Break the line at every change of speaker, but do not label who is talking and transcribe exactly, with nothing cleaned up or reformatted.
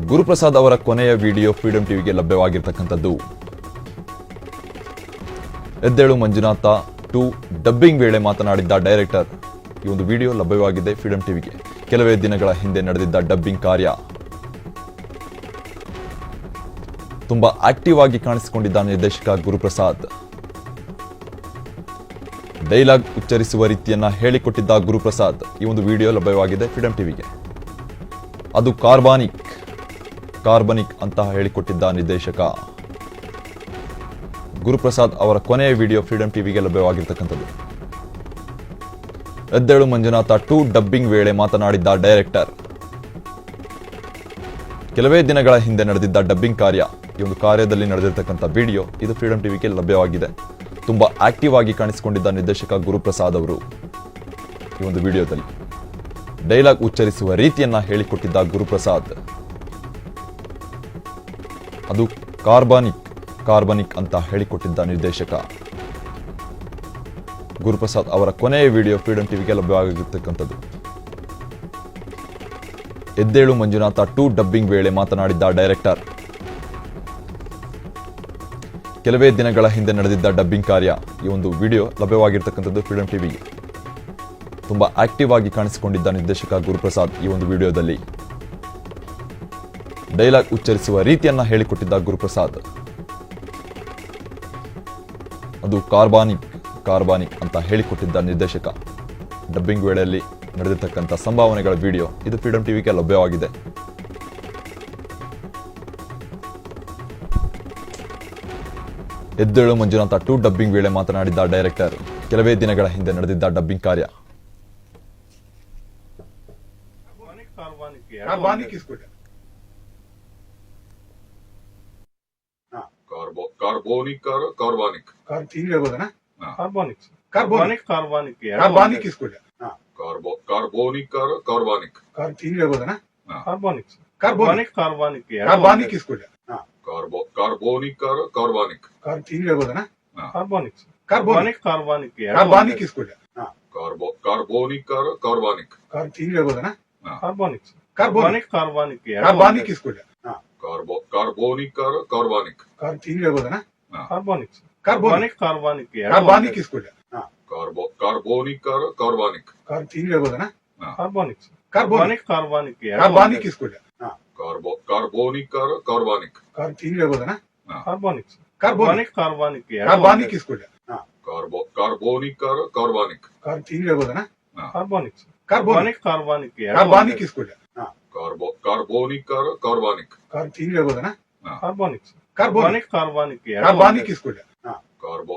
ಗುರುಪ್ರಸಾದ್ ಅವರ ಕೊನೆಯ video freedom ಟಿವಿಗೆ ಲಭ್ಯವಾಗಿರತಕ್ಕಂಥದ್ದು. ಎದ್ದೇಳು ಮಂಜುನಾಥ ಟು ಡಬ್ಬಿಂಗ್ ವೇಳೆ ಮಾತನಾಡಿದ್ದ ಡೈರೆಕ್ಟರ್. ಈ ಒಂದು ವಿಡಿಯೋ ಲಭ್ಯವಾಗಿದೆ ಫ್ರೀಡಂ ಟಿವಿಗೆ. ಕೆಲವೇ ದಿನಗಳ ಹಿಂದೆ ನಡೆದಿದ್ದ ಡಬ್ಬಿಂಗ್ ಕಾರ್ಯ. ತುಂಬಾ ಆಕ್ಟಿವ್ ಆಗಿ ಕಾಣಿಸಿಕೊಂಡಿದ್ದ ನಿರ್ದೇಶಕ ಗುರುಪ್ರಸಾದ್. ಡೈಲಾಗ್ ಉಚ್ಚರಿಸುವ ರೀತಿಯನ್ನ ಹೇಳಿಕೊಟ್ಟಿದ್ದ ಗುರುಪ್ರಸಾದ್. ಈ ಒಂದು ವಿಡಿಯೋ ಲಭ್ಯವಾಗಿದೆ ಫ್ರೀಡಂ ಟಿವಿಗೆ. ಅದು ಕಾರ್ಬಾನಿಕ್ ಕಾರ್ಬನಿಕ್ ಅಂತ ಹೇಳಿಕೊಟ್ಟಿದ್ದ ನಿರ್ದೇಶಕ ಗುರುಪ್ರಸಾದ್ ಅವರ ಕೊನೆಯ ವಿಡಿಯೋ ಫ್ರೀಡಂ ಟಿವಿಗೆ ಲಭ್ಯವಾಗಿರ್ತಕ್ಕಂಥದ್ದು. ಎದ್ದೇಳು ಮಂಜುನಾಥ ಟು ಡಬ್ಬಿಂಗ್ ವೇಳೆ ಮಾತನಾಡಿದ್ದ ಡೈರೆಕ್ಟರ್. ಕೆಲವೇ ದಿನಗಳ ಹಿಂದೆ ನಡೆದಿದ್ದ ಡಬ್ಬಿಂಗ್ ಕಾರ್ಯ. ಈ ಒಂದು ಕಾರ್ಯದಲ್ಲಿ ನಡೆದಿರ್ತಕ್ಕಂಥ ವಿಡಿಯೋ ಇದು ಫ್ರೀಡಂ ಟಿವಿಗೆ ಲಭ್ಯವಾಗಿದೆ. ತುಂಬಾ ಆಕ್ಟಿವ್ ಆಗಿ ಕಾಣಿಸಿಕೊಂಡಿದ್ದ ನಿರ್ದೇಶಕ ಗುರುಪ್ರಸಾದ್ ಅವರು ಈ ಒಂದು ವಿಡಿಯೋದಲ್ಲಿ ಡೈಲಾಗ್ ಉಚ್ಚರಿಸುವ ರೀತಿಯನ್ನ ಹೇಳಿಕೊಟ್ಟಿದ್ದ ಗುರುಪ್ರಸಾದ್. ಅದು ಕಾರ್ಬಾನಿಕ್ ಕಾರ್ಬನಿಕ್ ಅಂತ ಹೇಳಿಕೊಟ್ಟಿದ್ದ ನಿರ್ದೇಶಕ ಗುರುಪ್ರಸಾದ್ ಅವರ ಕೊನೆಯ ವಿಡಿಯೋ ಫ್ರೀಡಂ ಟಿವಿಗೆ ಲಭ್ಯವಾಗಿರತಕ್ಕಂಥದ್ದು. ಎದ್ದೇಳು ಮಂಜುನಾಥ ಟು ಡಬ್ಬಿಂಗ್ ವೇಳೆ ಮಾತನಾಡಿದ್ದ ಡೈರೆಕ್ಟರ್. ಕೆಲವೇ ದಿನಗಳ ಹಿಂದೆ ನಡೆದಿದ್ದ ಡಬ್ಬಿಂಗ್ ಕಾರ್ಯ. ಈ ಒಂದು ವಿಡಿಯೋ ಲಭ್ಯವಾಗಿರ್ತಕ್ಕಂಥದ್ದು ಫ್ರೀಡಂ ಟಿವಿಗೆ. ತುಂಬಾ ಆಕ್ಟಿವ್ ಆಗಿ ಕಾಣಿಸಿಕೊಂಡಿದ್ದ ನಿರ್ದೇಶಕ ಗುರುಪ್ರಸಾದ್ ಈ ಒಂದು ವಿಡಿಯೋದಲ್ಲಿ ಡೈಲಾಗ್ ಉಚ್ಚರಿಸುವ ರೀತಿಯನ್ನ ಹೇಳಿಕೊಟ್ಟಿದ್ದ ಗುರುಪ್ರಸಾದ್. ಅದು ಕಾರ್ಬಾನಿಕ್ ಕಾರ್ಬಾನಿಕ್ ಅಂತ ಹೇಳಿಕೊಟ್ಟಿದ್ದ ನಿರ್ದೇಶಕ. ಡಬ್ಬಿಂಗ್ ವೇಳೆಯಲ್ಲಿ ನಡೆದಿರ್ತಕ್ಕಂಥ ಸಂಭಾವನೆಗಳ ವಿಡಿಯೋ ಇದು ಫ್ರೀಡಂ ಟಿವಿಗೆ ಲಭ್ಯವಾಗಿದೆ. ಎದ್ದೇಳು ಮಂಜುನಾಥ ಟು ಡಬ್ಬಿಂಗ್ ವೇಳೆ ಮಾತನಾಡಿದ್ದ ಡೈರೆಕ್ಟರ್. ಕೆಲವೇ ದಿನಗಳ ಹಿಂದೆ ನಡೆದಿದ್ದ ಡಬ್ಬಿಂಗ್ ಕಾರ್ಯ.
कार्बनिक किसको
कार्बो कार्बोनिक कार कार्बनिक
कार ठीक है बोला ना
कार्बनिक
कार्बनिक
कार्बनिक
कार्बनिक किसको हाँ
कार्बो कार्बोनिक कार कार्बनिक
कार ठीक है बोला ना
कार्बनिक
कार्बनिक
कार्बनिक
कार्बनिक किसको हाँ
कार्बो कार्बोनिक कार कार्बनिक
कार ठीक है बोला ना
कार्बनिक
कार्बनिक
कार्बनिक
कार्बनिक किसको हाँ
कार्बो कार्बोनिक कार कार्बनिक
कार ठीक है बोला ना
कार्बनिक
कार्बनिक
कार्बनिक
कार्बनिक किसको हाँ
कार्बो कार्बोनिक कार कार्बनिक
कार ठीक है बोला ना
कार्बनिक
कार्बनिक
कार्बनिक
कार्बनिक किसको हाँ
कार्बो कार्बोनिक कार कार्बनिक
कार ठीक है बोला ना
कार्बनिक
कार्बनिक
कार्बनिक
कार्बनिक किसको हाँ
कार्बो कार्बोनिक कार कार्बनिक
कार ठीक है बोला ना
कार्बनिक
कार्बनिक
कार्बनिक
कार्बनिक किसको हाँ
कार्बो कार्बोनिक कार कार्बनिक
कार ठीक है बोला ना
कार्बनिक
कार्बनिक
कार्बनिक
कार्बनिक किसको हाँ
कार्बो कार्बोनिक कार कार्बनिक
कार ठीक है बोला ना
कार्बनिक
कार्बनिक
कार्बनिक
कार्बनिक किसको हाँ
कार्बो